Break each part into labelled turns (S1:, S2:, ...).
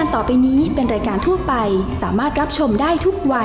S1: การต่อไปนี้เป็นรายการทั่วไปสามารถรับชมได้ทุกวัย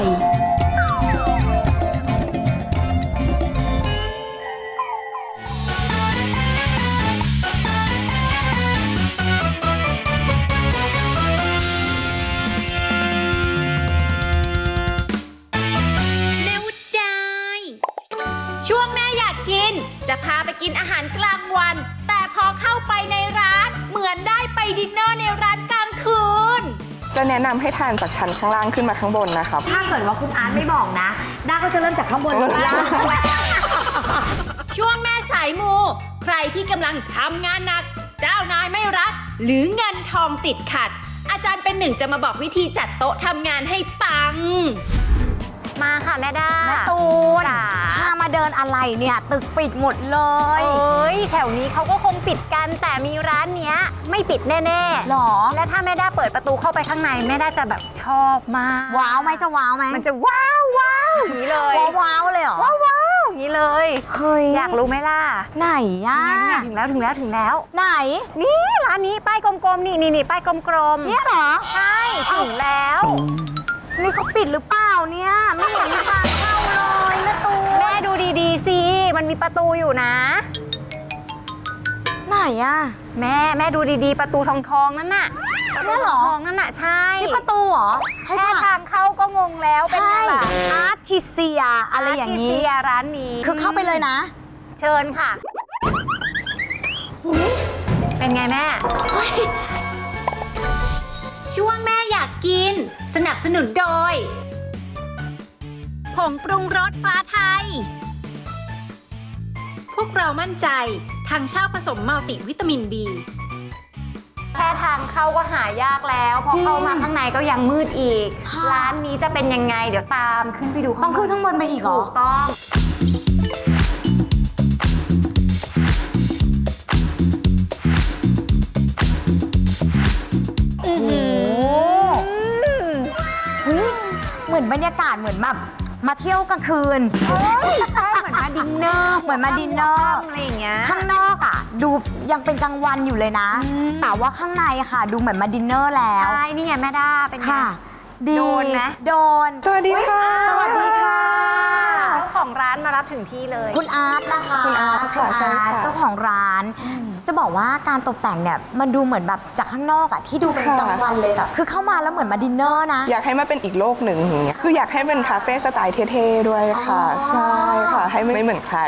S2: ช่วงแม่อยากกินจะพาไปกินอาหารกลางวันแต่พอเข้าไปในร้านเหมือนได้ไปดินเนอร์ในร้านกลางคืน
S3: จะแนะนำให้ทานจากชั้นข้างล่างขึ้นมาข้างบนนะครับ
S4: ถ้าเกิดว่าคุณอาร์ตไม่บอกนะด้าก็จะเริ่มจากข้างบนลงล่าง
S2: ช่วงแม่สายมูใครที่กำลังทำงานหนักเจ้านายไม่รักหรือเงินทองติดขัดอาจารย์เป็นหนึ่งจะมาบอกวิธีจัดโต๊ะทำงานให้ปังมาค่ะแม่ด้า
S4: แม่ตูนพามาเดินอะไรเนี่ยตึกปิดหมดเลย
S2: แถวนี้เขาก็คงปิดกันแต่มีร้านเนี้ยไม่ปิดแน่ๆ
S4: หรอ
S2: และถ้าแม่ด้าเปิดประตูเข้าไปข้างในแม่ด้าจะแบบชอบมาก
S4: ว้าวไหมจะว้าวไหม
S2: มันจะว้าวว้าวอย่างนี้เลย
S4: ว้าวเลยเหรอ
S2: ว้าวว้าวอย่างนี้เลย
S4: เฮ้ย
S2: อยากรู้ไหมล่ะ
S4: ไหนอ่ะ
S2: ถึงแล้ว
S4: ไหน
S2: นี่ร้านนี้ป้ายกลมๆนี่ป้ายกลม
S4: ๆเนี่ยเหรอ
S2: ใช่ถึงแล้ว
S4: นี่เขาปิดหรือเปล่าเนี่ยไม่เห็นมีทางเข้าเลยแม่ตูน
S2: แม่ดูดีๆสิมันมีประตูอยู่นะ
S4: ไหนอะ
S2: แม่ดูดีๆประตูทองนั่นน่ะ
S4: นี่เหรอ
S2: ทองนั่นน่ะใช่
S4: นี่ประตูเหรอ
S2: แค่ทางเข้าก็งงแล้วเป็นไงล่ะ
S4: อาร์ติเซียอะไรอย่างนี้
S2: ร้านนี้
S4: คือเข้าไปเลยนะ
S2: เชิญค่ะเป็นไงแม่ช่วงแม่อยากกินสนับสนุนโดยผงปรุงรสฟ้าไทยพวกเรามั่นใจทางเช่าผสมมัลติวิตามิน B แค่ทางเข้าก็หายากแล้วพอเข้ามาข้างในก็ยังมืดอีกร้านนี้จะเป็นยังไงเดี๋ยวตามขึ้นไปดู
S4: ต้องขึ้นข้างบนไปอีกเหรอ
S2: ถูกต้อง
S4: เหมือนบรรยากาศเหมือนแบบมาเที่ยวกลางคืน
S2: ใช่เหมือนมาดินเนอร์
S4: เหมือนมาดินเนอร์
S2: อะไรอย่างเงี้ย
S4: ข้างนอกอ่ะดูยังเป็นกลางวันอยู่เลยนะแต่ว่าข้างในค่ะดูเหมือนมาดินเนอร์แล้ว
S2: ใช่นี่ไงแม่ด้าเป็นไง
S4: โดน
S2: นะ
S4: โดน
S3: สวัสดีค่ะ
S4: สวัสดีค่ะ
S2: เจ้าของร้านมารับถึงที่เลย
S4: คุณอาร์ตนะคะ
S3: คุณอาร์ตค่ะใช่ค่ะ
S4: เจ้าของร้านจะบอกว่าการตกแต่งเนี่ยมันดูเหมือนแบบจากข้างนอกอะที่ดูเป็นกลางวันเลยอะคือเข้ามาแล้วเหมือนมาดินเนอร์นะ
S3: อยากให้มันเป็นอีกโลกหนึ่งอย่างเงี้ยคืออยากให้เป็นคาเฟ่สไตล์เท่ๆด้วยค่ะใช่ค่ะให้ไม่เหมือนใคร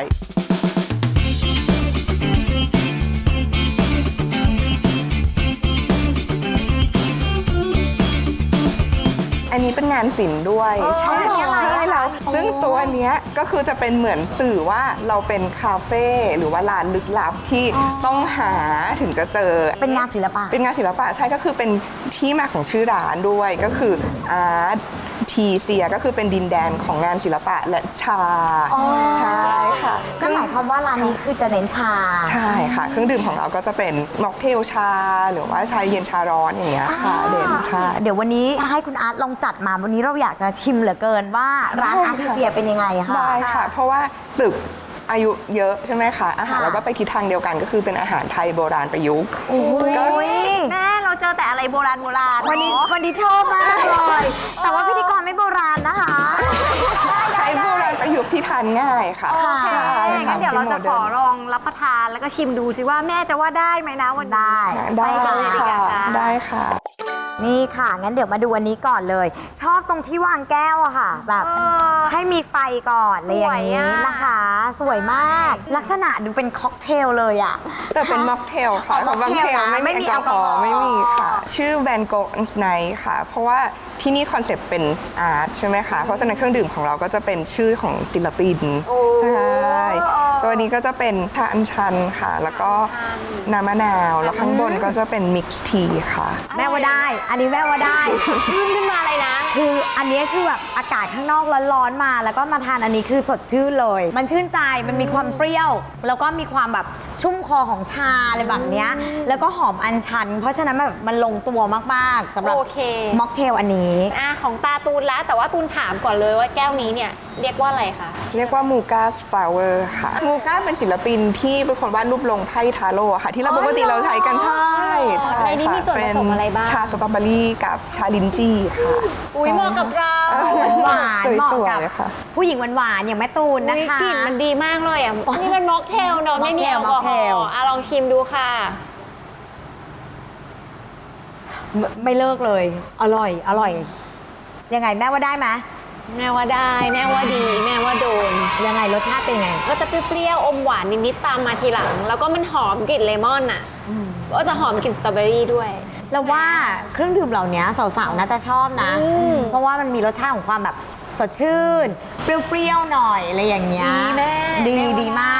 S3: อันนี้เป็นงานศิลป์ด้วยใช่แล้วซึ่งตัวเนี้ยก็คือจะเป็นเหมือนสื่อว่าเราเป็นคาเฟ่หรือว่าร้านลึกลับที่ต้องหาถึงจะเจอ
S4: เป็นงานศิลปะ
S3: ใช่ก็คือเป็นที่มาของชื่อร้านด้วยก็คืออาร์ตทีเซียก็คือเป็นดินแดนของงานศิลปะและชาใช่ค่ะ
S4: ก็หมายความว่าร้านนี้คือจะเน้นชา
S3: ใช่ค่ะเครื่องดื่มของเราก็จะเป็นม็อกเทลชาหรือว่าชาเย็นชาร้อนอย่างเงี้ยค่ะเด่นใช่
S4: เดี๋ยววันนี้ให้คุณอาร์ตลองจัดมาวันนี้เราอยากจะชิมเหลือเกินว่าร้านอาร์ติเซียเป็นยังไงคะ
S3: ได้ค่ะเพราะว่าตึกอายุเยอะใช่ไหมคะอาหารเราก็ไปทิศทางเดียวกันก็คือเป็นอาหารไทยโบราณประยุกต์
S2: แม่เราเจอแต่อะไรโบราณ
S4: วันนี้ชอบมากเลยแต่ว่าพิธีกรไม่โบราณนะคะ
S3: ไทยโบราณประยุกต์ที่ทานง่ายค่ะ
S2: โอเคงั้นเดี๋ยวเราจะขอลองรับประทานแล้วก็ชิมดูสิว่าแม่จะว่าได้ไหมนะวัน
S4: ได้
S3: ค่ะได้ค่ะ
S4: นี่ค่ะงั้นเดี๋ยวมาดูอันนี้ก่อนเลยชอบตรงที่วางแก้วอะค่ะแบบให้มีไฟก่อนอะไรอย่างนี้นะคะสวยมากลักษณะดูเป็นค็อกเทลเลยอะ
S3: แต่เป็นม็อกเทลค่ะเพราะม็อกเทลไม่มีแอลกอฮอล์ไม่มีค่ะชื่อแวนโกะไนท์ค่ะเพราะว่าที่นี่คอนเซปต์เป็นอาร์ตใช่ไหมคะเพราะฉะนั้นเครื่องดื่มของเราก็จะเป็นชื่อของศิลปินใช่ตัวนี้ก็จะเป็นชาอัญชันค่ะแล้วก็น้ำมะนาวแล้วข้างบนก็จะเป็นมิกซ์ทีค่ะ
S4: แม่ว่าได้อันนี้แม่ว่าได้
S2: ชื่นขึ้นมาเลยนะ
S4: คืออันนี้คือแบบอากาศข้างนอกร้อนๆมาแล้วก็มาทานอันนี้คือสดชื่นเลยมันชื่นใจมันมีความเปรี้ยวแล้วก็มีความแบบชุ่มคอของชาอะไรแบบนี้แล้วก็หอมอัญชันเพราะฉะนั้นแบบมันลงตัวมากๆสำหรับม็อกเทลอันนี้
S2: ของตาตูนแล้วแต่ว่าตูนถามก่อนเลยว่าแก้วนี้เนี่ยเรียกว่าอะไรคะ
S3: เรียกว่ามูกาสฟลาวเวอร์ค่ะมูกาเป็นศิลปินที่เป็นคนวาดรูปลงไพ่ทาโร่ค่ะที่เราปกติเราใช้กันใช่
S5: ในนี้มีส่วนผสมอะไรบ้าง
S3: เป็นชาสตรอเบอรี่กับชาลิ้นจี่ค่ะ
S5: อุ้ยเหมาะกับเรา
S4: หวานๆเหมาะ
S3: สวย
S4: กับ
S3: ๆเลยค่ะ
S4: ผู้หญิงหวานๆอย่างแม่ตูนนะ
S5: อุ๊ย
S4: คะ
S5: กลิ่นมันดีมากเลยอ่ะนี่มันม็อกเทลเนาะไม่มีแอลกอฮ
S4: ม็
S5: อ
S4: อกเทล
S5: ล์ลองชิมดูค่ะ
S4: ไม่เลิกเลย อร่อยอร่อย ยังไงแม่ว่าได้ไหม
S5: แม่ว่าได้แม่ว่าดีแม่ว่าโดน
S4: ยังไงรสชาติเป็นยังไง
S5: ก็จะเปรี้ยวๆอมหวานนิดๆตามมาทีหลัง แล้วก็มันหอมกลิ่นเลมอนอ่ะก็จะหอมกลิ่นสตรอเบอรี่ด้วย
S4: เราว่าเครื่องดื่มเหล่านี้สาวๆน่าจะชอบนะ เพราะว่ามันมีรสชาติของความแบบสดชื่น เปรี้ยวๆหน่อยอะไรอย่างเงี้ย
S5: ดีแม่
S4: ดี
S5: แม่ว่า
S4: ดีมาก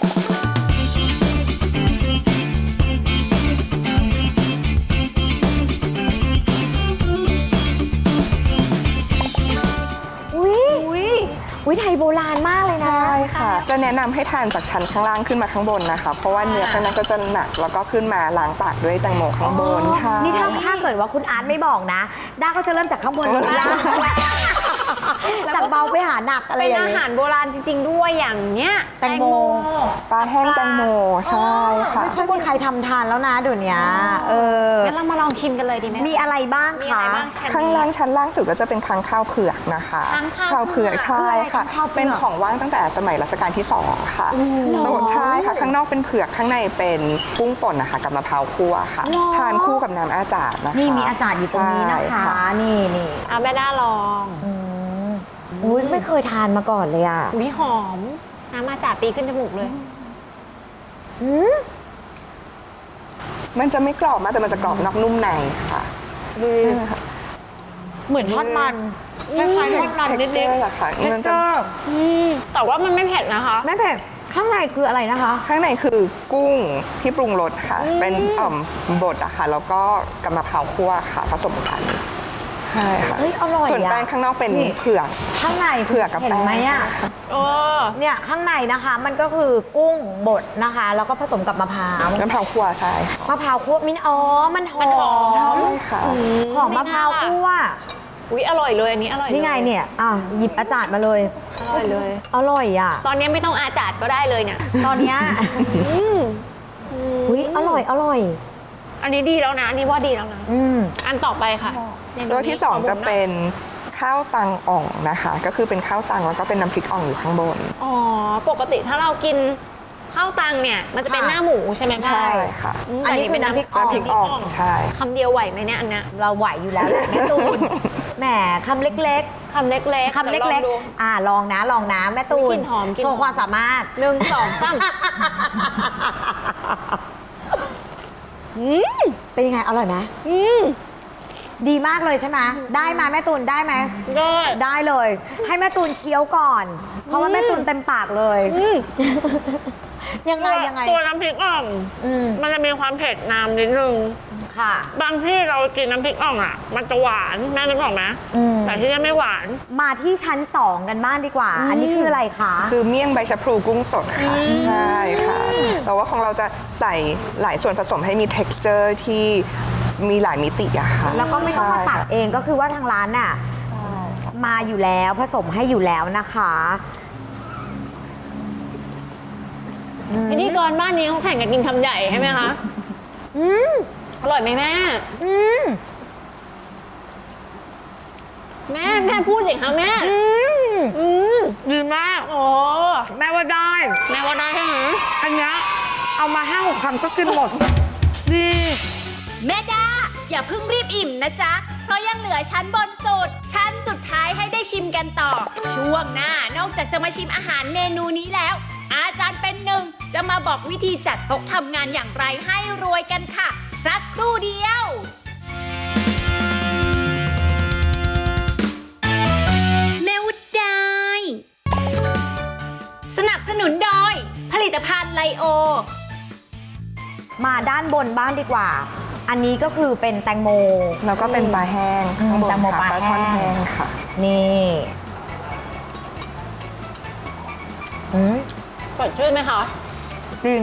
S4: อุ้ยไทยโบราณมากเลยนะ
S3: ใช่ค่ะ จะแนะนำให้ทานจากชั้นข้างล่างขึ้นมาข้างบนนะคะ เพราะว่าเนื้อข้างในก็จะหนักแล้วก็ขึ้นมาล้างปากด้วยแตงโมข้างบนค่ะ
S4: นี่ถ้าเกิดว่าคุณอาร์ตไม่บอกนะ ด้าก็จะเริ่มจากข้างบนลงล่างจากเบาไปหาหนักอะไร
S5: เป็น
S4: อย่าง
S5: อา
S4: เงี้
S5: หาย รโบราณจริง ๆ ด้วยอย่างเนี้ย
S4: แตงโม
S3: ปลาแห้งแตงโมใช่ค่ะ
S4: ไม่ค่อยมีใครทำทานแล้วนะเดี๋ยวนี้เออ
S5: งั้นเรามาลองชิมกันเลยดีไหม
S4: มีอะไรบ้าง
S5: มีอะไร
S4: คะ
S5: บ้าง
S3: ข้างล่างชั้นล่างสุดก็จะเป็นค้างข้าวเผือกนะคะ
S5: ค้างข้าวเผื
S3: เผื
S5: อ
S3: อก กใช่ค่ะ
S4: คืออะไรค้างข้าวเผือก
S3: เป็นของว่างตั้งแต่สมัยรัชกาลที่ 2 ค่ะโต๊ะใช่ค่ะ ข้างนอกเป็นเผือกข้างในเป็นกุ้งป่นนะคะกับมะพร้าวคั่วค่ะ ทานคู่กับน้ำอาจารย์นะคะ
S4: นี่มีอาจารย์อยู่ตรงนี้นะ
S3: ใช่
S4: คะ นี่
S5: เอาแม่ด้าลอง
S4: อุ้ยไม่เคยทานมาก่อนเลยอ่ะ
S5: อุ้ยหอม น้ำมาจากตีขึ้นจมูกเลย
S3: มันจะไม่กรอบมากแต่มันจะกรอบนอกนุ่มในค่ะ
S4: เหมือนทอดมันคล้ายๆทอดมันนิด
S3: texture เหรอคะมันจะ
S5: แต่ว่ามันไม่เผ็ดนะคะ
S4: ๆไม่เผ็ดข้างในคืออะไรนะคะ
S3: ข้างในคือกุ้งที่ปรุงรสค่ะ เป็นบดอะค่ะ แล้วก็กับมะพร้าวคั่วค่ะ ผสมกันใช่ค่ะ
S4: เฮ้ยอร่อยอะ
S3: ส่วนแป้งข้างนอกเป็น
S4: นี่
S3: เผือก
S4: ข้างใน
S3: เผือกกับ
S4: เห็น
S3: แป้ง
S4: ไหมอ่ะ
S5: โอ้
S4: เนี่ยข้างในนะคะมันก็คือกุ้งบดนะคะ แล้วก็ผสมกับมะพร้าว
S3: น้ำมะพร้าวคั่วใช่ค่ะ
S4: มะพร้าวคั่วมินมันหอม
S3: ใช่ค่ะ
S4: หอมมะพร้าวคั่ว
S5: อุ้ยอร่อยเลยอันนี้อร่อยเลย
S4: นี่ไงเนี่ยหยิบอาจารย์มาเลย
S5: อร่อยเลย
S4: อร่อยอ่ะ
S5: ตอนนี้ไม่ต้องอาจาดก็ได้เลยเนี่ย
S4: ตอนเนี้ยอุ้ยอร่อย
S5: อันนี้ดีแล้วนะ อันนี้ว่าดีแล้วนะ อันต่อไปค่ะเมนู
S3: ตัวที่
S5: นี้ข
S3: 2 จะเป็นข้าวตังอ่องนะคะ ก็คือเป็นข้าวตังแล้วก็เป็นน้ำพริกอ่องอยู่ข้างบน
S5: อ๋อ ปกติถ้าเรากินข้าวตังเนี่ย มันจะเป็นหน้าหมูใช่ไหม
S3: ใช่ค่ะ
S5: ม
S4: อันนี้
S5: แต่
S4: คือน้ำพริกอ่อง
S3: น้ำพริกอ่องใช่
S5: คำเดียวไหวไหมเนี่ยอันเนี้ย
S4: เราไหวอยู่แล้วแหละแม่ตูนแหมคำเล็ก
S5: คำเล็ก
S4: ๆ
S5: ๆ
S4: คำเล็ก
S5: ดี๋ยวองดู
S4: ๆลองนะแม่ตู
S5: กลิ่
S4: น
S5: นหอมกลิ่น
S4: โช
S5: หอ
S4: ว์
S5: ม
S4: ความสามารถ
S5: 1 2 3
S4: เป็นยังไงอร่อยไหมดีมากเลยใช่ไหมได้ไหมแม่ตูนได้ไหม
S5: ได้
S4: ได้เลย ให้แม่ตูนเคี้ยวก่อน เพราะว่าแม่ตูนเต็มปากเลย ยังไง
S5: ตัวน้ำพริกอ่อง มันจะมีความเผ็ดนำนิดนึง
S4: ค่ะ
S5: บางที่เรากินน้ำพริกอ่องอ่ะ มันจะหวานแม่นึกออกไหมแต่ที่นี่ไม่หวาน
S4: มาที่ชั้น 2 กันบ้างดีกว่า อันนี้คืออะไรคะ
S3: คือเมี่ยงใบชะพลูกุ้งสดค่ะใช่ค่ะ แต่ว่าของเราจะใส่หลายส่วนผสมให้มี texture ที่มีหลายมิติอะค่ะ
S4: แล้วก็ไม่ต้องมาตัก
S3: ใช่ค่ะ
S4: เองก็คือว่าทางร้านน่ะมาอยู่แล้วผสมให้อยู่แล้วนะคะ
S5: พิธีกรบ้านนี้เขาแข่งกันกินคำใหญ่ใช่ไหมคะอร่อยไหมแม่ แม่พูดสิคะแม่ดีมาก โอ้
S4: แม่ว่าได้
S5: แม่ว่าได้ใช่ไหม
S4: อันเนี้ยเอามา5-6 คำก็กินหมดดี
S2: แม่ดาอย่าเพิ่งรีบอิ่มนะจ๊ะ เพราะยังเหลือชั้นบนสุด ชั้นสุดท้ายให้ได้ชิมกันต่อ ช่วงหน้านอกจากจะมาชิมอาหารเมนูนี้แล้ว อาจารย์เป็นหนึ่งจะมาบอกวิธีจัดโต๊ะทำงานอย่างไรให้รวยกันค่ะ สักครู่เดียว แม่วุฒได้สนับสนุนโดยผลิตภัณฑ์ไลโอ
S4: มาด้านบนบ้างดีกว่า อันนี้ก็คือเป็นแตงโม
S3: แล้วก็เป็นปลาแห้งข้างบน
S4: แตงโม
S3: ค่ะ
S4: ปลา
S3: ช่อน
S4: แห้
S3: แห้
S4: ง
S3: งค่ะ
S4: นี่อืม
S5: สดชื่นไหมคะ
S4: จริง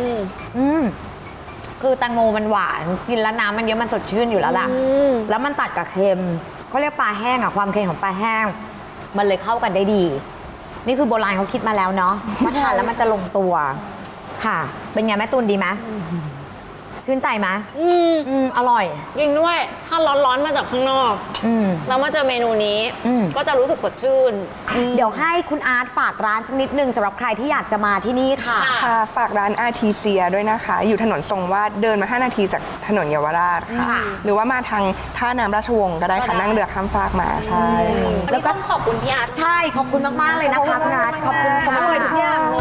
S4: คือแตงโมมันหวานกินแล้วน้ำมันเยอะมันสดชื่นอยู่แล้วล่ะ แล้วมันตัดกับเค็มเขาเรียกปลาแห้งอะความเค็มของปลาแห้ง มันเลยเข้ากันได้ดี นี่คือโบราณเขาคิดมาแล้วเนาะว่าทานแล้วมันจะลงตัว ค่ะ เป็นไงแม่ตูนดีไหมชื่นใจไหม
S5: อืม
S4: อร่อย
S5: ยิงด้วย ถ้าร้อนๆมาจากข้างนอก แล้วมาเจอเมนูนี้ ก็จะรู้สึกสดชื่น
S4: เดี๋ยวให้คุณอาร์ตฝากร้านสักนิดนึงสำหรับใครที่อยากจะมาที่นี่ค่ะ
S3: ค่ะฝากร้านอาร์ทีเซียด้วยนะคะ อยู่ถนนทรงวาดเดินมา 5 นาทีจากถนนเยาวราชค่ะ
S4: ค่ะ
S3: หรือว่ามาทางท่าน้ำราชวงศ์ก็ได้ค่ะ นั่งเรือข้ามฟากมาใช่ค่ะ
S5: แล้วก็ต้องขอบคุณพี่อาร์ต
S4: ใช่ขอบคุณมาก ๆ เลยนะคะคุณอาร์ตขอบคุณ
S5: อ
S4: ค่ะ
S5: ร่อยทุกอย่างเลย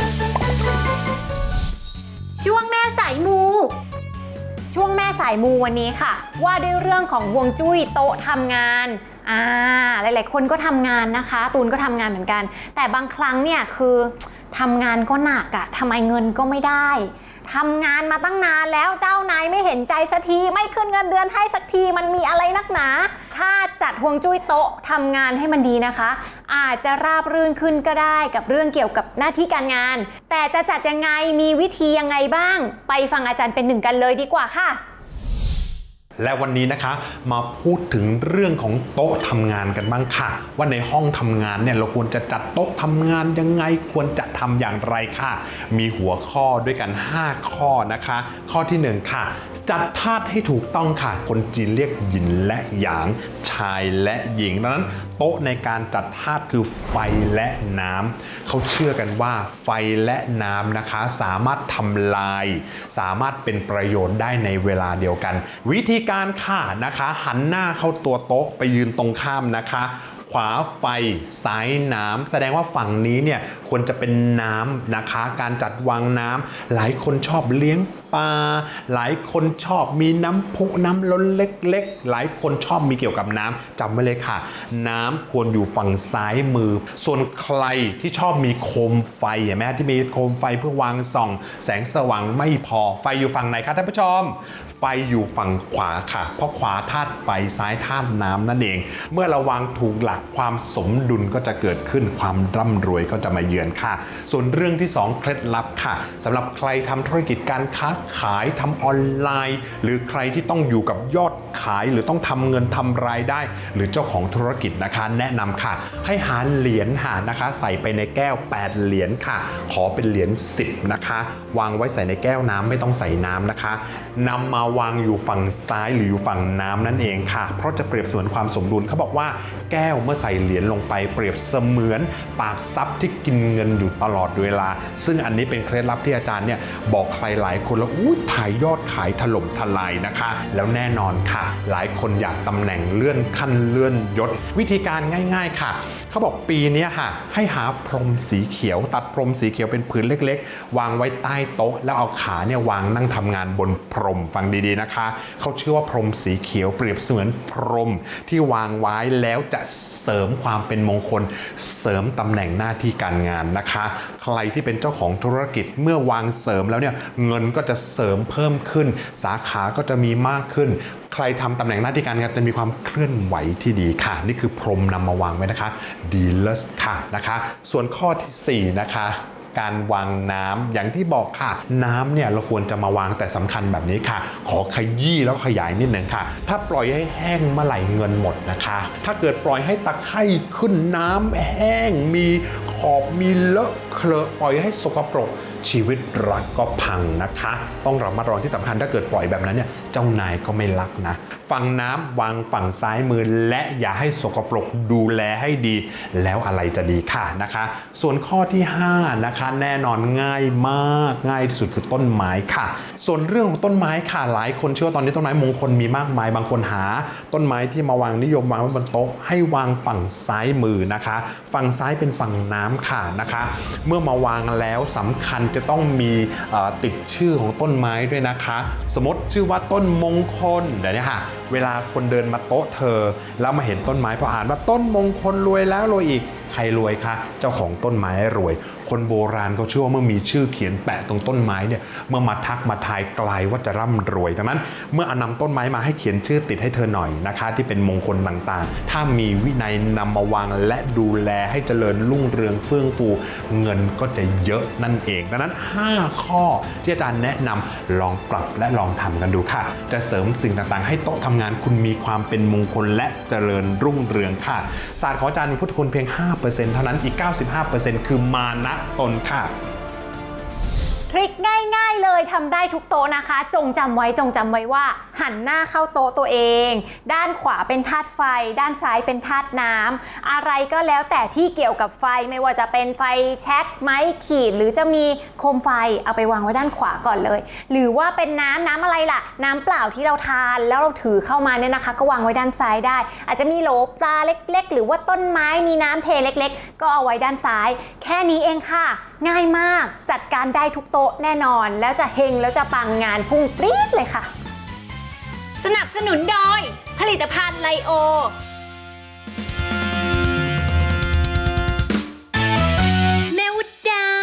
S2: ช่วงแม่สายมู ช่วงแม่สายมูวันนี้ค่ะ ว่าด้วยเรื่องของฮวงจุ้ยโต๊ะทำงานหลายๆคนก็ทำงานนะคะ ตูนก็ทำงานเหมือนกัน แต่บางครั้งเนี่ยคือทำงานก็หนักอะทำไมเงินก็ไม่ได้ทำงานมาตั้งนานแล้วเจ้านายไม่เห็นใจสักทีไม่ขึ้นเงินเดือนให้สักทีมันมีอะไรนักหนา ถ้าจัดฮวงจุ้ยโต๊ะทำงานให้มันดีนะคะ อาจจะราบรื่นขึ้นก็ได้กับเรื่องเกี่ยวกับหน้าที่การงาน แต่จะจัดยังไงมีวิธียังไงบ้าง ไปฟังอาจารย์เป็นหนึ่งกันเลยดีกว่าค่ะ
S6: และวันนี้นะคะมาพูดถึงเรื่องของโต๊ะทำงานกันบ้างค่ะ ว่าในห้องทำงานเนี่ยเราควรจะจัดโต๊ะทำงานยังไงควรจะทำอย่างไรค่ะ มีหัวข้อด้วยกัน 5 ข้อนะคะ ข้อที่ 1 ค่ะ จัดธาตุให้ถูกต้องค่ะ คนจีนเรียกหยินและหยางชายและหญิงดังนั้นโต๊ะในการจัดธาตุคือไฟและน้ำเขาเชื่อกันว่าไฟและน้ำนะคะสามารถทำลายสามารถเป็นประโยชน์ได้ในเวลาเดียวกัน วิธีการค่ะนะคะหันหน้าเข้าตัวโต๊ะไปยืนตรงข้ามนะคะ ขวาไฟซ้ายน้ำแสดงว่าฝั่งนี้เนี่ยควรจะเป็นน้ำนะคะการจัดวางน้ำหลายคนชอบเลี้ยงปลาหลายคนชอบมีน้ำพุน้ำล้นเล็กๆหลายคนชอบมีเกี่ยวกับน้ำจำไว้เลยค่ะน้ำควรอยู่ฝั่งซ้ายมือส่วนใครที่ชอบมีโคมไฟเห็นไหมที่มีโคมไฟเพื่อวางส่องแสงสว่างไม่พอไฟอยู่ฝั่งไหนคะท่านผู้ชมไฟอยู่ฝั่งขวาค่ะเพราะขวาธาตุไฟซ้ายธาตุน้ำนั่นเองเมื่อเราวางถูกหลักความสมดุลก็จะเกิดขึ้นความร่ำรวยก็จะมาเยือนค่ะส่วนเรื่องที่ 2เคล็ดลับค่ะสำหรับใครทำธุรกิจการค้าขายทำออนไลน์หรือใครที่ต้องอยู่กับยอดขายหรือต้องทำเงินทำรายได้หรือเจ้าของธุรกิจนะคะแนะนำค่ะให้หาเหรียญหานะคะใส่ไปในแก้ว8เหรียญค่ะขอเป็นเหรียญ10นะคะวางไว้ใส่ในแก้วน้ำไม่ต้องใส่น้ำนะคะนำมาวางอยู่ฝั่งซ้ายหรืออยู่ฝั่งน้ำนั่นเองค่ะเพราะจะเปรียบเสมือนความสมดุลเขาบอกว่าแก้วเมื่อใส่เหรียญลงไปเปรียบเสมือนปากทรัพย์ที่กินเงินอยู่ตลอดเวลาซึ่งอันนี้เป็นเคล็ดลับที่อาจารย์เนี่ยบอกใครหลายคนแล้วถ่ายยอดขายถล่มทลายนะคะแล้วแน่นอนค่ะหลายคนอยากตำแหน่งเลื่อนขั้นเลื่อนยศวิธีการง่ายๆค่ะเขาบอกปีนี้ค่ะให้หาพรมสีเขียวตัดพรมสีเขียวเป็นผืนเล็กๆวางไว้ใต้โต๊ะแล้วเอาขาเนี่ยวางนั่งทำงานบนพรมฟังดีๆนะคะเขาเชื่อว่าพรมสีเขียวเปรียบเสมือนพรมที่วางไว้แล้วจะเสริมความเป็นมงคลเสริมตำแหน่งหน้าที่การงานนะคะใครที่เป็นเจ้าของธุรกิจเมื่อวางเสริมแล้วเนี่ยเงินก็จะเสริมเพิ่มขึ้นสาขาก็จะมีมากขึ้นใครทำตำแหน่งหน้าที่การงานจะมีความเคลื่อนไหวที่ดีค่ะนี่คือพรมนำมาวางไว้นะคะดีเลสค่ะนะคะส่วนข้อที่4นะคะการวางน้ำอย่างที่บอกค่ะน้ำเนี่ยเราควรจะมาวางแต่สำคัญแบบนี้ค่ะขอขยี้แล้วขยายนิดหนึ่งค่ะถ้าปล่อยให้แห้งเมื่อไหร่เงินหมดนะคะถ้าเกิดปล่อยให้ตะไคร่ขึ้นน้ำแห้งมีขอบมีเลอะเคลอะปล่อยให้สกปรกชีวิตรักก็พังนะคะต้องระมัดระวังที่สำคัญถ้าเกิดปล่อยแบบนั้นเนี่ยเจ้านายก็ไม่รักนะฝั่งน้ำวางฝั่งซ้ายมือและอย่าให้สกปรกดูแลให้ดีแล้วอะไรจะดีค่ะนะคะส่วนข้อที่5นะคะแน่นอนง่ายมากง่ายที่สุดคือต้นไม้ค่ะส่วนเรื่องของต้นไม้ค่ะหลายคนเชื่อว่าตอนนี้ต้นไม้มงคลมีมากมายบางคนหาต้นไม้ที่มาวางนิยมวางไว้บนโต๊ะให้วางฝั่งซ้ายมือนะคะฝั่งซ้ายเป็นฝั่งน้ำค่ะนะคะเมื่อมาวางแล้วสำคัญจะต้องมีติดชื่อของต้นไม้ด้วยนะคะสมมติชื่อว่าต้นมงคลเดี๋ยวนี้ค่ะเวลาคนเดินมาโต๊ะเธอแล้วมาเห็นต้นไม้พออ่านว่าต้นมงคลรวยแล้วรวยอีกใครรวยคะเจ้าของต้นไม้รวยคนโบราณเขาเชื่อว่าเมื่อมีชื่อเขียนแปะตรงต้นไม้เนี่ยเมื่อมาทักมาทายกลายว่าจะร่ำรวยดังนั้นเมื่อนำต้นไม้มาให้เขียนชื่อติดให้เธอหน่อยนะคะที่เป็นมงคลต่างๆถ้ามีวินัยนำมาวางและดูแลให้เจริญรุ่งเรืองเฟื่องฟูเงินก็จะเยอะนั่นเองดังนั้น5ข้อที่อาจารย์แนะนำลองปรับและลองทำกันดูค่ะจะเสริมสิ่งต่างๆให้โต๊ะทำงานคุณมีความเป็นมงคลและเจริญรุ่งเรืองค่ะศาสตร์ของอาจารย์มีพุทธคุณเพียง 5% เท่านั้นอีก 95% คือมานะตนค่ะ
S5: ทริคง่ายๆเลยทำได้ทุกโต๊ะนะคะ จงจำไว้ว่าหันหน้าเข้าโต๊ะตัวเอง ด้านขวาเป็นธาตุไฟ ด้านซ้ายเป็นธาตุน้ำอะไรก็แล้วแต่ที่เกี่ยวกับไฟไม่ว่าจะเป็นไฟแช็กไม้ขีดหรือจะมีโคมไฟเอาไปวางไว้ด้านขวาก่อนเลย หรือว่าเป็นน้ำอะไรล่ะน้ำเปล่าที่เราทานแล้วเราถือเข้ามาเนี่ยนะคะก็วางไว้ด้านซ้ายได้ อาจจะมีโหลปลาเล็กๆหรือว่าต้นไม้มีน้ำเทเล็กๆก็เอาไว้ด้านซ้ายแค่นี้เองค่ะง่ายมากจัดการได้ทุกโต๊ะแน่นอนแล้วจะเฮงแล้วจะปังงานพุ่งปรี๊ดเลยค่ะ
S2: สนับสนุนโดยผลิตภัณฑ์ไลโอแม่ว่าได้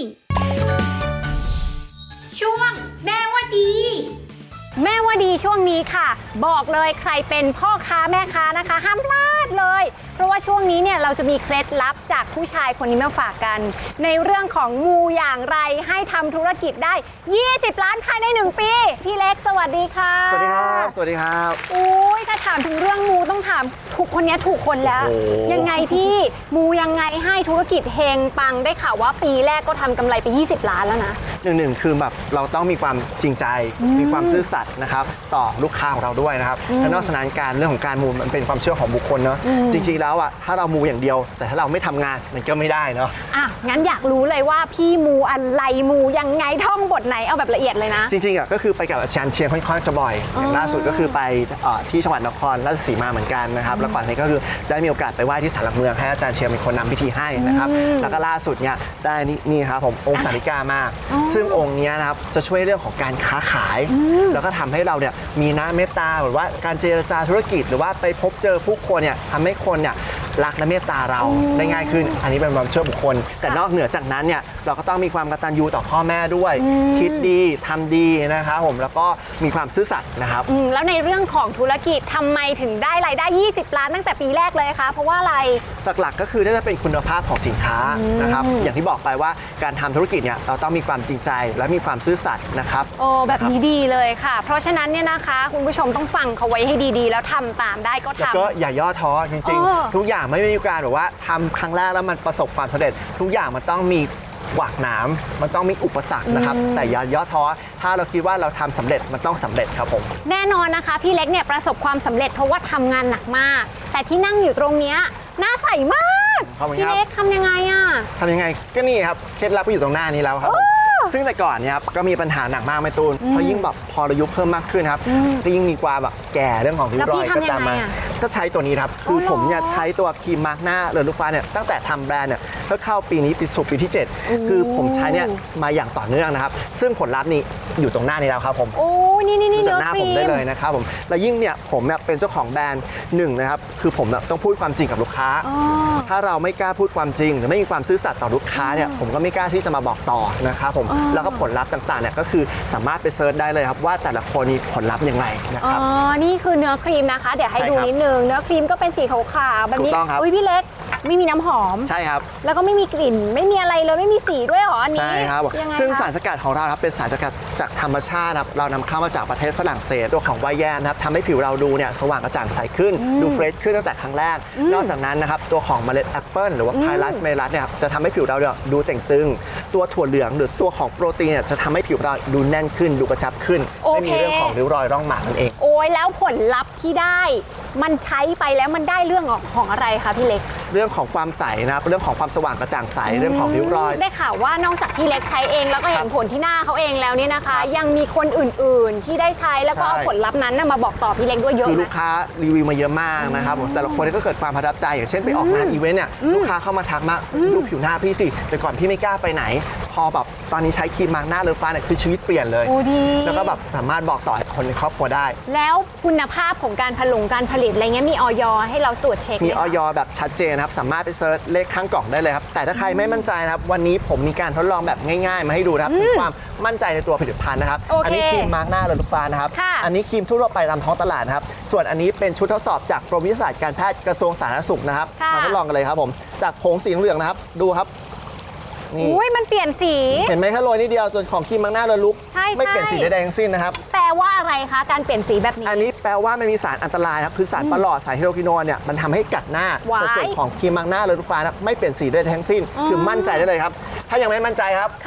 S2: ช่วงแม่ว่าดี
S5: แม่ว่าดีช่วงนี้ค่ะบอกเลยใครเป็นพ่อค้าแม่ค้านะคะห้ามพลาดเลยเพราะว่าช่วงนี้เนี่ยเราจะมีเคล็ดลับจากผู้ชายคนนี้มาฝากกันในเรื่องของมูอย่างไรให้ทำธุรกิจได้20 ล้านภายใน1ปีพี่เล็กสวัสดีค่ะ
S7: สวัสดีครับสวัสดีครับ
S5: อุ้ยถ้าถามถึงเรื่องมูต้องถามถูกคนนี้ถูกคนแล้วยังไงพี่มูยังไงให้ธุรกิจเฮงปังได้ข่าวว่าปีแรกก็ทำกำไรไป20 ล้านแล้วนะ
S7: หนึ่งคือแบบเราต้องมีความจริงใจมีความซื่อสัตย์นะครับต่อลูกค้าของเราด้วยนะครับและนอกจากนั้นเรื่องของการมูมันเป็นความเชื่อของบุคคลเนาะจริงๆแล้วอ่ะถ้าเรามูอย่างเดียวแต่ถ้าเราไม่ทำงานมันก็ไม่ได้เนาะ
S5: งั้นอยากรู้เลยว่าพี่มูอะไรมูยังไงท่องบทไหนเอาแบบละเอียดเลยนะ
S7: จริงๆอ่ะก็คือไปกับอาจารย์เชียงค่อนข้างจะบ่อยอย่างล่าสุดก็คือไปที่จังหวัดนครราชสีมาเหมือนกันนะครับแล้วก่อนนี้ก็คือได้มีโอกาสไปไหว้ที่ศาลหลักเมืองให้อาจารย์เชียงเป็นคนนำพิธีให้นะครับแล้วก็ล่าสุดเนี่ยได้นี่ครับผมองค์สาริกามากซึ่งองค์นี้นะครับจะช่วยเรื่องของการค้าขายแล้วก็ทำให้เราเนี่ยมีน้ำเมตตาหรือว่าการเจรจาธุรกิจหรือว่าไปพบเจอผู้คนเนี่ยทำให้คนเนี่ยรักและเมตตาเราได้ง่ายขึ้นอันนี้เป็นความเชื่อบุคคลแต่นอกเหนือจากนั้นเนี่ยเราก็ต้องมีความกตัญญูต่อพ่อแม่ด้วยคิดดีทำดีนะครับผมแล้วก็มีความซื่อสัตย์นะครับ
S5: แล้วในเรื่องของธุรกิจทำไมถึงได้รายได้20 ล้านตั้งแต่ปีแรกเลยคะเพราะว่าอะไร
S7: หลักๆก็คือน่าจะเป็นคุณภาพของสินค้านะครับอย่างที่บอกไปว่าการทำธุรกิจเนี่ยเราต้องมีความจริงใจและมีความซื่อสัตย์นะครับ
S5: แบบนี้ดีเลยค่ะเพราะฉะนั้นเนี่ยนะคะคุณผู้ชมต้องฟังเขาไว้ให้ดีๆแล้วทำตามได้ก็ทำ
S7: แล้วก็อย่าย่อท้อจริงๆทุกอย่างไม่มีการแบบว่าทำครั้งแรกแล้วมันประสบความสำเร็จทุกอย่างมันต้องมีหวากหนามมันต้องมีอุปสรรคนะครับแต่อย่าย่อท้อถ้าเราคิดว่าเราทำสำเร็จมันต้องสำเร็จครับผม
S5: แน่นอนนะคะพี่เล็กเนี่ยประสบความสำเร็จเพราะว่าทำงานหนักมากแต่ที่นั่งอยู่ตรงนี้หน้าใสมากพี่เล็กทำยังไง
S7: ทำยังไงก็นี่ครับเคล็ดลับก็อยู่ตรงหน้านี้แล้วครับซึ่งแต่ก่อนเนี่ยครับก็มีปัญหาหนักมากไม่ตูนเพราะยิ่งแบบพออายุเพิ่มมากขึ้นครับก็ยิ่งมีความแบบแก่เรื่องของริ้วรอยก็ตามมาก็ใช้ตัวนี้ครับคือผมเนี่ยใช้ตัวครีมมาร์กหน้าเรือนลูกฟ้าเนี่ยตั้งแต่ทำแบรนด์เนี่ยก็เข้าปีนี้ปีที่ 7คือผมใช้เนี่ยมาอย่างต่อเนื่องนะครับซึ่งผลลัพธ์นี่อยู่ตรงหน้านี้แล้วครับผม
S5: โอ้นี่
S7: จากหน้าผมได้เลยนะครับผมแล้วยิ่งเนี่ยผมเนี่ยเป็นเจ้าของแบรนด์1นะครับคือผมต้องพูดความจริงกับลูกค้าถ้าเราไม่กล้าพูดความจริงหรือไม่มีความซื่อสัตย์ต่อลูกค้าเนี่ยผมก็ไม่กล้าที่จะมาบอกต่อนะครับผมแล้วก็ผลลัพธ์ต่างๆเนี่ยก็คือสามารถไปเซิร์ชได้เลยครับว่าแต่ละคนมีผลลัพธ์ยังไงนะครับ
S5: นี่คือเนื้อครีมนะคะเดี๋ยวให้ดูนิดนึงเนื้อครีมก็เป็นสีขาวๆแบบนี้อุ้ยพี่เล็กไม่มีน้ำหอม
S7: ใช่ครับ
S5: แล้วก็ไม่มีกลิ่นไม่มีอะไรเลยไม่มีสีด้วยหรออันนี้
S7: ใช่ครับซึ่งสารสกัดของเราครับเป็นสารสกัดจากธรรมชาติครับเรานำเข้ามาจากประเทศฝรั่งเศสตัวของไวน์แยมนะครับทำให้ผิวเราดูเนี่ยสว่างกระจ่างใสขึ้นดูเฟรชขึ้นตั้งแต่ครั้งแรกนอกจากนั้นนะครับตัวของเมล็ดแอปเปิลหรือว่าไพลัสเมลัสเนี่ยจะทำให้ผิวเราดูเต่งตึงตัวถั่วเหลืองหรือตัวของโปรตีนเนี่ยจะทำให้ผิวเราดูแน่นขึ้นดูกระชับขึ้นไม่มีเรื่องของริ้วรอยร่องหมากนั่นเอง
S5: โอ้ยแล้วผลลัพธ์ที่ได้มันใช้ไปแล้วมันได้เรื่องของอะไรคะพี่เล็ก
S7: เรื่องของความใสนะครับเรื่องของความสว่างกระจ่างใสเรื่องของริ้วรอย
S5: ได้ข่าวว่านอกจากพี่เล็กใช้เองแล้วก็เห็นผลที่หน้าเขาเองแล้วนี่นะคะยังมีคนอื่นๆที่ได้ใช้แล้วก็เอาผลลัพธ์นั้นมาบอกต่อพี่เล็กด้วยเยอะ
S7: คือลูกค้ารีวิวมาเยอะมากนะครับแต่ละคนก็เกิดความประทับใจอย่างเช่นไปออกงานอีเวนต์เนี่ยลูกค้าเข้ามาทักมาดูผิวหน้าพี่สิแต่ก่อนพี่ไม่กล้าไปไหนพอแบบตอนนี้ใช้ครีมมาร์กหน้าเรือนฟ้าเนี่ยคือชีวิตเปลี่ยนเลยแล้วก็แบบสามารถบอกต่อคนในครอบครัวได้
S5: แล้วคุณภาพของการการผลิตอะไรเงี้ยมีออยให้เราตรวจเช็ค
S7: มีออยแบบชัดเจนครับสามารถไปเซิร์ชเลขข้างกล่องได้เลยครับแต่ถ้าใครไม่มั่นใจนะครับวันนี้ผมมีการทดลองแบบง่ายๆมาให้ดูนะครับถึงความมั่นใจในตัวผลิตภัณฑ์นะครับอันนี้ครีมมาร์กหน้าเรือนฟ้านะครับอันนี้ครีมทั่วไปตามท้องตลาดนะครับส่วนอันนี้เป็นชุดทดสอบจากกรมวิทยาศาสตร์การแพทย์กระทรวงสาธารณสุขนะครับมาทดลองกันเลยครับผมจากผงสีเหลืองนะครับดูครับ
S5: อุ้ยมันเปลี่ยนสี
S7: เห็นไหมแค่โรยนิดเดียวส่วนของครีมมาร์กหน้าเรือนลุกไม่เปลี่ยนสีใดๆทั้งสิ้นนะครับ
S5: แปลว่าอะไรคะการเปลี่ยนสีแบบนี้
S7: อันนี้แปลว่าไม่มีสารอันตรายครับคือสารประหลอดสารไฮโดรควินอนเนี่ยมันทำให้กัดหน้าแต่ส่วนของครีมมาร์กหน้าเรือนฟ้าไม่เปลี่ยนสีใดๆทั้งสิ้นคือมั่นใจได้เลยครับถ้ายังไม่มั่นใจครับ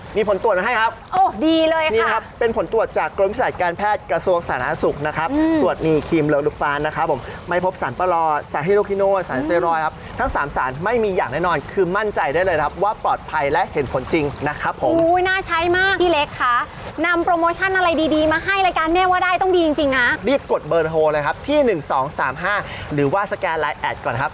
S7: มีผลตรวจมาให้ครับ
S5: โอ้ดีเลย
S7: นี่
S5: ค่ะ
S7: นะครับเป็นผลตรวจจากกรมวิชาการแพทย์กระทรวงสาธารณสุขนะครับตรวจมีครีมเลอลูกฟ้านนะครับผมไม่พบสารปลอดสารไฮโดรคิโนนสารสเตียรอยด์ครับทั้ง 3 สารไม่มีอย่างแน่นอนคือมั่นใจได้เลยครับว่าปลอดภัยและเห็นผลจริงนะครับผม
S5: อุ้ยน่าใช้มากพี่เล็กคะนำโปรโมชั่นอะไรดีๆ มาให้รายการแม่ว่าได้ต้องดีจริงๆนะ
S7: รีบกดเบอร์โทรเลยครับที่ 1235 หรือว่าสแกนไลน์แอดก่อนครับ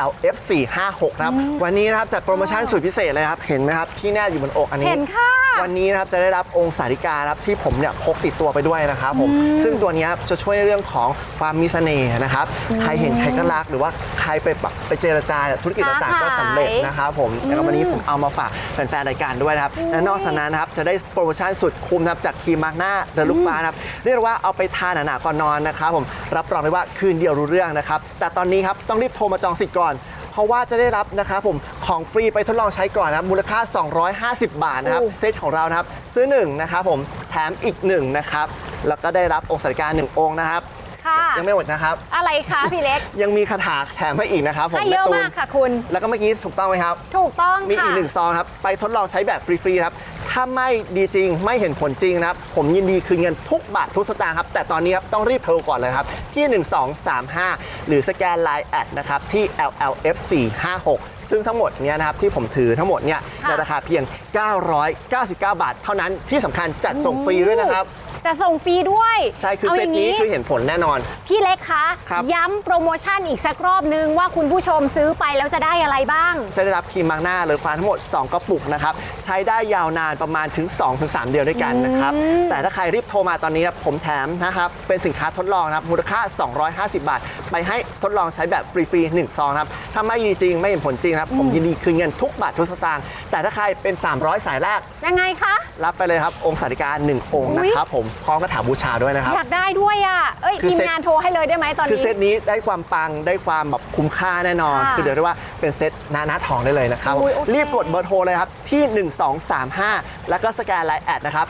S7: LLF456 นะครับวันนี้นะครับจัดโปรโมชั่นสุดพิเศษเลยครับเห็นไหมครับที่แนบอยู่บนอกอันนี้
S5: เห็นค่ะ
S7: วันนี้นะครับจะได้รับองค์สาริกาครับที่ผมเนี่ยพกติดตัวไปด้วยนะครับผมซึ่งตัวเนี้ยจะช่วยในเรื่องของความมีเสน่ห์นะครับใครเห็นใครก็รักหรือว่าใครไปเจรจาธุรกิจต่างๆก็สำเร็จนะครับผมแล้ววันนี้ผมเอามาฝากแฟนๆรายการด้วยนะครับและนอกจากนั้นนะครับจะได้โปรโมชั่นสุดคุ้มนะครับจากครีมมาร์กหน้าเดลูกฟ้านะครับเรียกว่าเอาไปทาหนาๆก่อนนอนนะครับผมรับรองเลยว่าคืนเดียวรู้เรื่องนะครับแต่ตอนนี้ครับต้องรีบโทรมาจองสิทธิ์ก่อนเพราะว่าจะได้รับนะครับผมของฟรีไปทดลองใช้ก่อนนะครับมูลค่า 250 บาทนะครับเซตของเรานะครับซื้อ1นะครับผมแถมอีก1นะครับแล้วก็ได้รับองค์สาริกา1องค์นะครับ
S5: ค่ะ
S7: ยังไม่หมดนะครับ
S5: อะไรคะพี่เล็ก
S7: ยังมีคาถาแถมให้อีกนะครับผม
S5: ให้เยอะ
S7: แตูน
S5: มากค่ะคุณ
S7: แล้วก็เมื่อกี้ถูกต้องไหมครับ
S5: ถูกต้อง
S7: มี
S5: ค่ะ
S7: อีก1ซองครับไปทดลองใช้แบบฟรีๆครับถ้าไม่ดีจริงไม่เห็นผลจริงนะครับผมยินดีคืนเงินทุกบาททุกสตางค์ครับแต่ตอนนี้ครับต้องรีบโทรก่อนเลยครับที่ 1235 หรือสแกนไลน์แอดนะครับที่ LLF456 ซึ่งทั้งหมดเนี้ยนะครับที่ผมถือทั้งหมดเนี่ยในราคาเพียง 999 บาท เท่านั้นที่สำคัญจัดส่งฟรีด้วยนะครับ
S5: จะส่งฟรีด้วย
S7: ใช่คือ
S5: อา
S7: เซ
S5: อ
S7: ต
S5: ย่าง
S7: นี้คือเห็นผลแน่นอน
S5: พี่เล็กคะ
S7: ครับ
S5: ย้ำโปรโมชั่นอีกสักรอบนึงว่าคุณผู้ชมซื้อไปแล้วจะได้อะไรบ้าง
S7: จะได้รับครีมมาร์กหน้าเลอฟ้าทั้งหมด 2 กระปุกนะครับใช้ได้ยาวนานประมาณถึง 2-3 เดือนด้วยกันนะครับแต่ถ้าใครรีบโทรมาตอนนี้ครับผมแถมนะครับเป็นสินค้าทดลองนะครับมูลค่า 250 บาท ไปให้ทดลองใช้แบบฟรีๆ1ซองครับถ้าไม่ดีจริงไม่เห็นผลจริงครับผมยินดีคืนเงินทุกบาททุกสตางค์แต่ถ้าใครเป็น 300 สายแรก
S5: ยังไงคะ
S7: รับไปเลยครับองค์สาริกา1องค์นะครับผมพร้อมกระถาบูชาด้วยนะครับ
S5: อยากได้ด้วยอ่ะ เอ้ย
S7: คือ
S5: ทีม
S7: เซ็ต
S5: งานโทรให้เลยได้ไหมตอน
S7: คือ
S5: นี้
S7: เซตนี้ได้ความปังได้ความแบบคุ้มค่าแน่นอน
S5: ค่ะ
S7: คือเดี๋ยวเรียกว่าเป็นเซตหน้าทองได้เลยนะครับ
S5: อุ๊ยโอเค
S7: รีบกดเบอร์โทรเลยครับที่ 1235 แล้วก็สแกนไลน์แอดนะครับ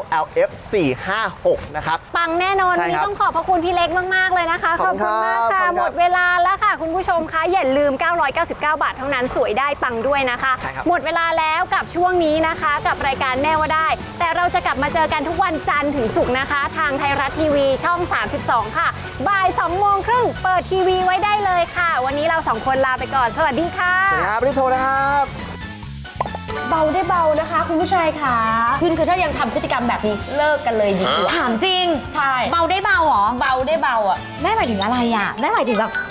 S7: LLF456 นะครับ
S5: ปังแน่นอน
S7: ใช่
S5: วันนี้
S7: ครับ
S5: ต้องขอบพระคุณพี่เล็กมาก ๆ เลยนะคะ
S7: ขอบคุณ
S5: มาก
S7: ครั
S5: ค่ะ
S7: บขอบคุณครับ
S5: หมดเวลาแล้วค่ะ คุณผู้ชมคะอย่าลืม 999 บาทเท่านั้นสวยได้ปังด้วยนะคะ
S7: ใช่ครับ
S5: หมดเวลาแล้วกับช่วงนี้นะคะ กับรายการแม่ว่าได้ แต่เราจะกลับมาเจอกันทุกวันจันทร์ถึงศุกร์นะคะ ทางไทยรัฐทีวีช่อง 32 ค่ะ บ่าย 2:30 เปิดทีวีไว้ได้เลยค่ะ วันนี้เรา2คนลาไปก่อน สวัสดีค่ะ
S7: สวัสดีครับรีบโทรนะครับ
S8: เบาได้เบานะคะ คุณผู้ชายค่ะคือถ้ายังทำพฤติกรรมแบบนี้เลิกกันเลยดีกว่า
S4: ถามจริง
S8: ใช่
S4: เบาได้เบาเหรอ
S8: เบาได้เบาอ่ะ
S4: แม่หมายถึงอะไรอ่ะแม่หมายถึงแบบ